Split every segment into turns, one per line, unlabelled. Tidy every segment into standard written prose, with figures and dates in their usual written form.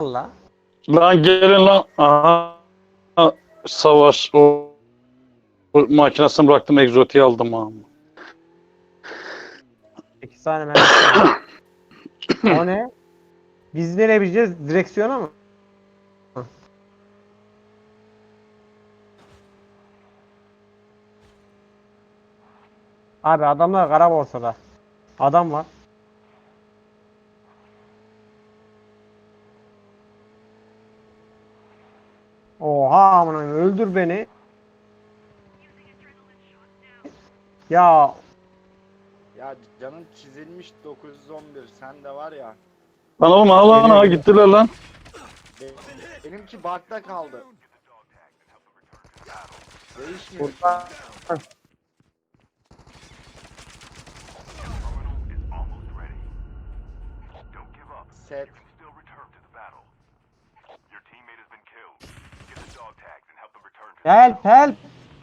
valla.
Lan gelin lan. Aha. Savaş. O makinesini bıraktım. Egzotiği aldım ha.
8 tane mermisi var. O ne? Biz nereye bineceğiz? Direksiyona mı? Abi adamlar kara borsada. Adam var. Oha amına öldür beni. Ya
Ya canın çizilmiş 911. Sen de var ya.
Lan oğlum ha lan ha
Geliyor.
gittiler lan.
be- Benimki bakta kaldı. Değişmiyor.
burada
Set.
help help.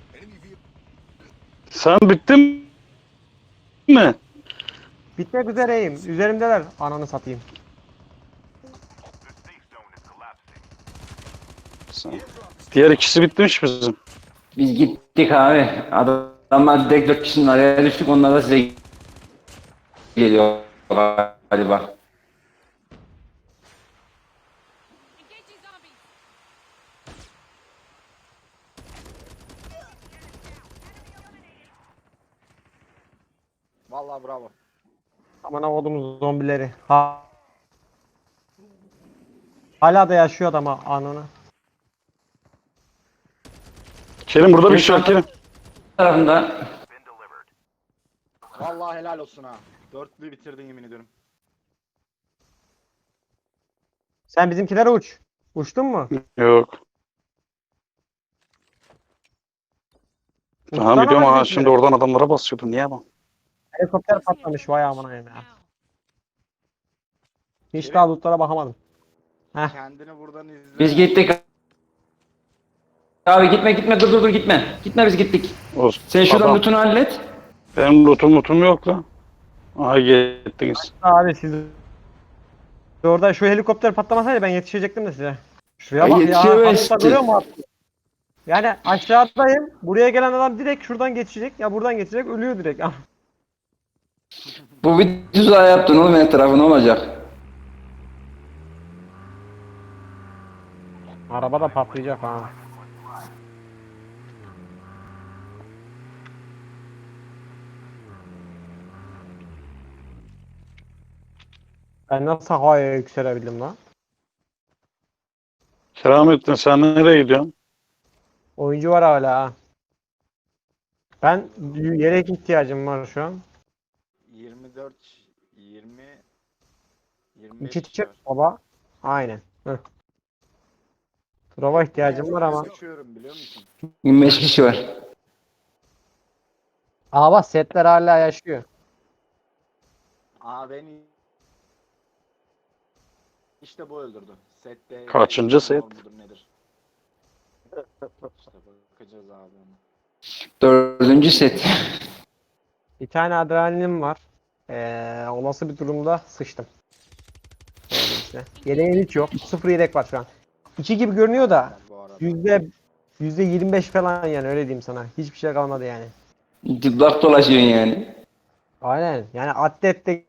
Sen bittin mi?
Bitmek üzereyim. Üzerimdeler. Ananı satayım.
Diğer ikisi bitmiş bizim.
Biz gittik abi. Adamlar direkt 4 kişinin araya düştük. Onlar da size geliyor galiba.
Engaging zombies.
Vallahi bravo.
Aman avudumuz zombileri. Hala da yaşıyor adam ha ananı.
Kerim burada bir şey var Kerim.
Tarafında
Vallahi helal olsun ha. Dörtlü bitirdin yemin ediyorum.
Sen bizimkilere uç. Uçtun mu?
Yok.
Uçsana
Tamam gidiyorum ha
bizimkilere.
şimdi oradan adamlara basıyordum. Niye ama?
Helikopter patlamış vay amına ya. Hiç
Kerim.
daha lootlara bakamadım. Heh.
Kendini buradan izle.
biz gittik. Abi gitme dur gitme. Gitme biz gittik.
Olsun.
Sen şuradan
Adam.
lootunu hallet.
Benim lootum yok lan. Aha gittiniz.
Abi siz orada şu helikopter patlamasaydı ben yetişecektim de size. Şuraya bak ya.
Yetişemezsin.
Hatta görüyor musun? Yani aşağıdayım. Buraya gelen adam direkt şuradan geçecek. Ya buradan geçecek. Ölüyor direkt.
Bu bir tuzağı yaptın oğlum etrafı ne olacak?
Araba da patlayacak ha. Ben nasıl havaya yükselebildim lan?
Keramettin sen nereye gidiyorsun?
Oyuncu var hala ha. Ben yelek ihtiyacım var şu an.
24 20 25
İki
kişi
çık
var.
baba. Aynen. Heh. Prova ihtiyacım var ama.
Uçuyorum biliyor musun?
25 kişi var.
Aa bak setler hala yaşıyor.
Aa beni işte bu öldürdü. Sette
Kaçıncı set?
var mıdır, nedir? İşte bakacağız abi ona.
4. set.
Bir tane adrenalinim var. Olası bir durumda sıçtım. İşte. Yeleğim hiç yok. Sıfır yelek var şu an. 2 gibi görünüyor da
Bu arada.
%25 falan yani öyle diyeyim sana. Hiçbir şey kalmadı yani.
Dıblak dolaşıyorsun yani.
Aynen. Yani atlette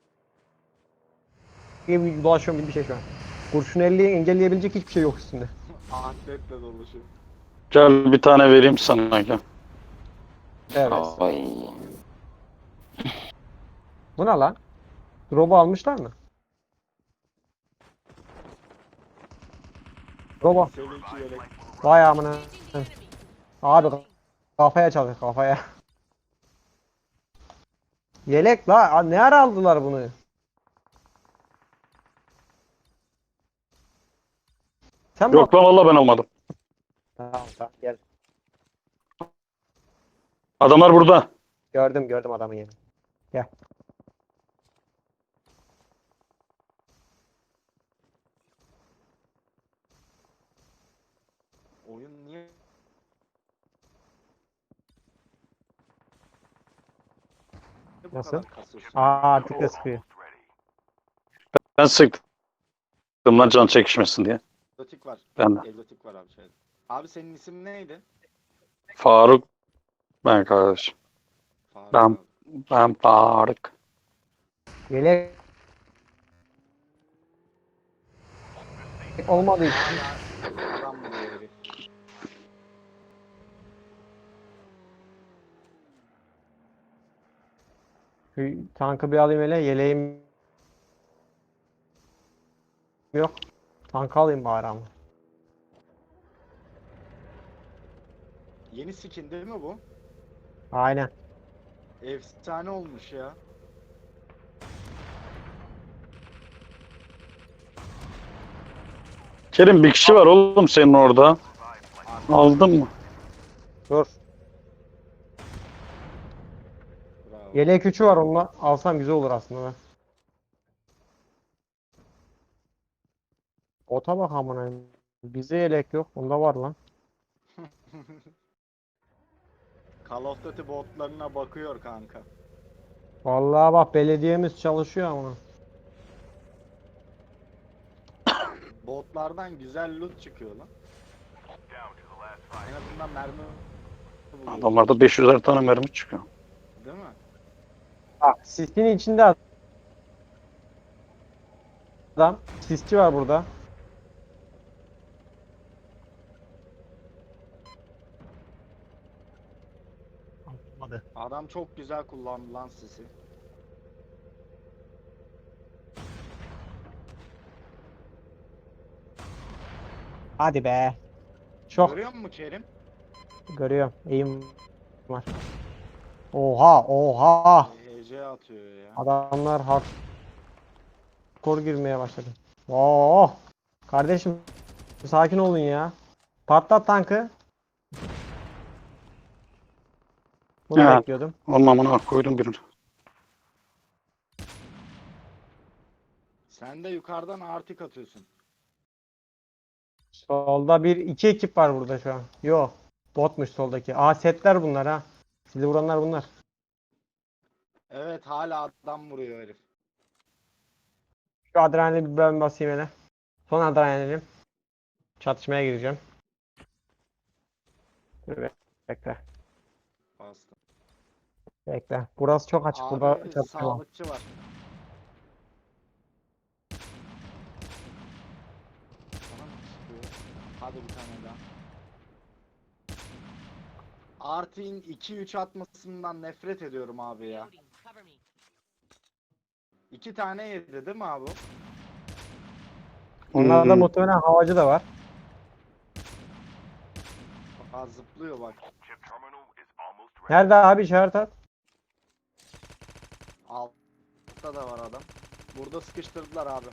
gibi dolaşıyorum gibi bir şey şu an. Kurşun 50'yi engelleyebilecek hiçbir şey yok üstünde.
Atletle dolaşıyor.
Gel bir tane vereyim sana gel.
Evet.
Ay.
Bu ne lan? Drop'u almışlar mı? Drop'u.
Seninki yelek.
Vay amına. Abi kafaya çalıyor kafaya. Yelek la ne ara aldılar bunu? Sen mi
Yok lan valla ben almadım.
Tamam tamam gel.
Adamlar burada.
Gördüm adamı yeni. Gel.
Oyun niye bu
Nasıl?
kadar kasıyorsun?
Aa artık da sıkıyor.
Ben sıktım Lan can çekişmesin diye.
Egzotik var.
Ben de.
Egzotik var abi şeyde. Abi senin isim neydi?
Faruk. Ben kardeşim.
Faruk
Ben-
abi.
Ben Faruk.
Yelek olmadığı için.
Hala adam vuruyor herif.
Şu tankı bir alayım hele. Yeleğim yok. Tankı alayım bari ama.
Yeni skin değil mi bu?
Aynen.
Efsane olmuş ya.
Kerim bir kişi var oğlum senin orada. Aldın mı?
Dur.
Bravo.
Yelek 3'ü var onunla. Alsam güzel olur aslında. Be. Ota bak amına. Bize yelek yok. Onda var lan.
Call of Duty botlarına bakıyor kanka.
Vallahi bak belediyemiz çalışıyor ama.
Botlardan güzel loot çıkıyor lan. En azından mermi buluyor.
Adamlarda 500'er tane mermi çıkıyor.
Değil mi?
Bak sisin içinde adam. Sisçi var burada. Olmadı.
Adam çok güzel kullandı lan sisi.
Hadi be. Çok
Görüyor musun Kerim?
görüyorum. Eğim var. Oha oha.
HC atıyor ya.
Adamlar hardcore girmeye başladı. Oo. Kardeşim sakin olun ya. Patlat tankı. Bunu
Ya.
bekliyordum.
Onun amına koydum birini.
Sen de yukarıdan artık atıyorsun.
Solda iki ekip var burada şu an. Yo. Botmuş soldaki. Aa setler bunlar ha. Sizi vuranlar bunlar.
Evet hala adam vuruyor herif.
Şu adrenalini bir ben basayım hele. Son adrenalinim. Çatışmaya gireceğim. Dur bekle.
Bastım.
Bekle. Burası çok açık. Burada
Abi
çatışma var.
sağlıkçı var. Bana mı çıkıyor? Hadi bir tane daha. Artin 2-3 atmasından nefret ediyorum abi ya.
Reloading. Cover me.
2 tane yedi değil mi abi?
Onlarda muhtemelen havacı da var.
Aa, zıplıyor bak.
Nerede abi işaret at.
Altta da var adam. Burada sıkıştırdılar abi.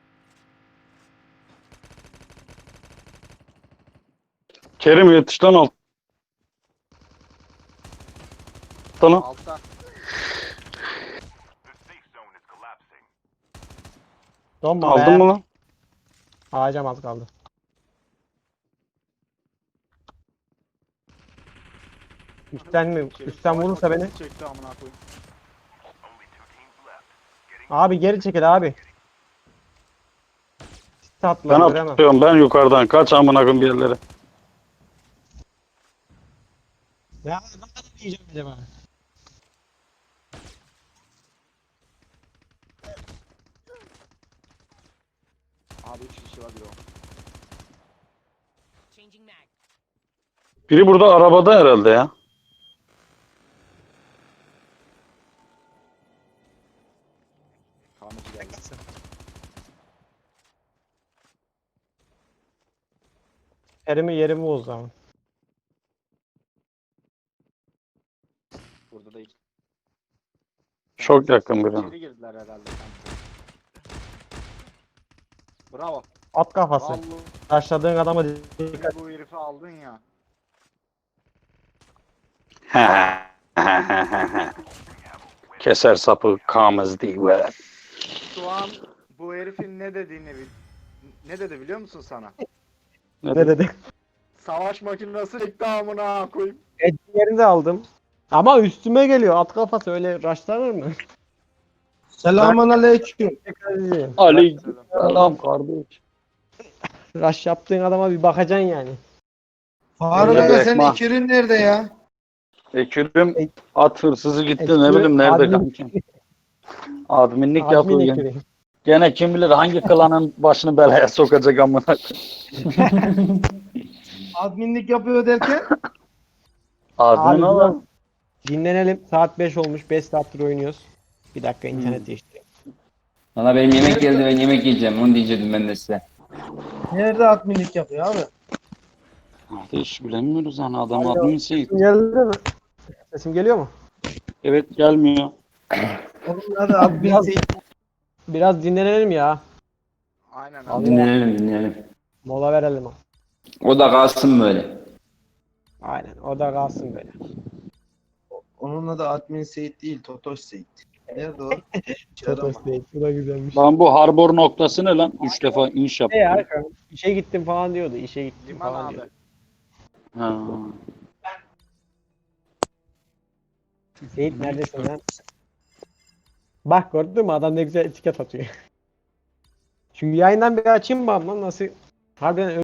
Kerim yetiş lan alt. Sana.
Altta.
Donma
Aldın
be.
mı lan?
Alacağım az kaldı. Üstten mi?
Kerim
Üstten
savaş
vurursa beni.
makinesi çekti amına koyayım.
Abi geri çekil abi. Tatlı
Ben
göremem.
atıyorum ben yukarıdan. Kaç amına koyayım bir yerlere.
Ya ne kadar yiyeceğim acaba?
Abi 3 kişi var bir o.
Changing mag.
Biri burada arabada herhalde ya.
Tamirci geldi.
Yerimi bozdu ama.
Burada da 2.
Çok yakın biri.
İçeri girdiler herhalde sanki. Bravo.
At kafası.
Vallahi
Taşladığın adama dikkat.
bu herifi aldın ya.
Keser sapı kamız değil böyle.
Şu an bu herifin ne dedi biliyor musun sana?
Ne dedi?
Savaş makinesi çekti amına koyayım.
Etkilerini de aldım. Ama üstüme geliyor. At kafası öyle raşlanır mı?
Selamun aleyküm.
Tekrar edeyim.
Aleykümselam kardeş.
Rush yaptığın adama bir bakacaksın yani.
Faruk
Öyle
Aga
bir
senin
ekmek.
Ekirin nerede ya?
Ekürüm at hırsızı gitti
Ekürü,
ne bileyim nerede
admin-
kanki. Adminlik
Admin
yapıyor gene.
ekürü.
Gene kim bilir hangi klanın başını belaya sokacak amına koyayım.
Adminlik yapıyor derken?
Admin
Abi
oğlum.
Dinlenelim. Saat 5 olmuş. 5 saattir oynuyoruz. Bir dakika internet değiştireyim.
Valla benim yemek geldi, ben yemek yiyeceğim. Onu diyecektim ben de size.
Nerede adminlik yapıyor abi?
Hadi hiç bilemiyoruz yani adam
Alo.
admin şey.
Sesim geldi mi? Sesim geliyor mu?
Evet gelmiyor.
Oğlum hadi admin
Biraz-
değil.
Biraz dinlenelim ya.
Aynen abi.
Allah.
Dinleyelim.
Mola verelim.
O da kalsın böyle.
Aynen. O da kalsın böyle.
Onun adı admin Seyit değil, Totoş Seyit. Nerede o?
Totos değil. Bu da güzelmiş.
Lan bu harbor noktası ne lan? 3 defa inş
Ne ya?
yaptı.
İşe gittim falan diyordu. İşe gittim
Liman
falan
abi.
diyordu.
Ha.
Seyit neredesin lan? Bak gördün mü? Adam ne güzel etiket atıyor. Şu yayından bir açayım mı lan? Nasıl? Harbiden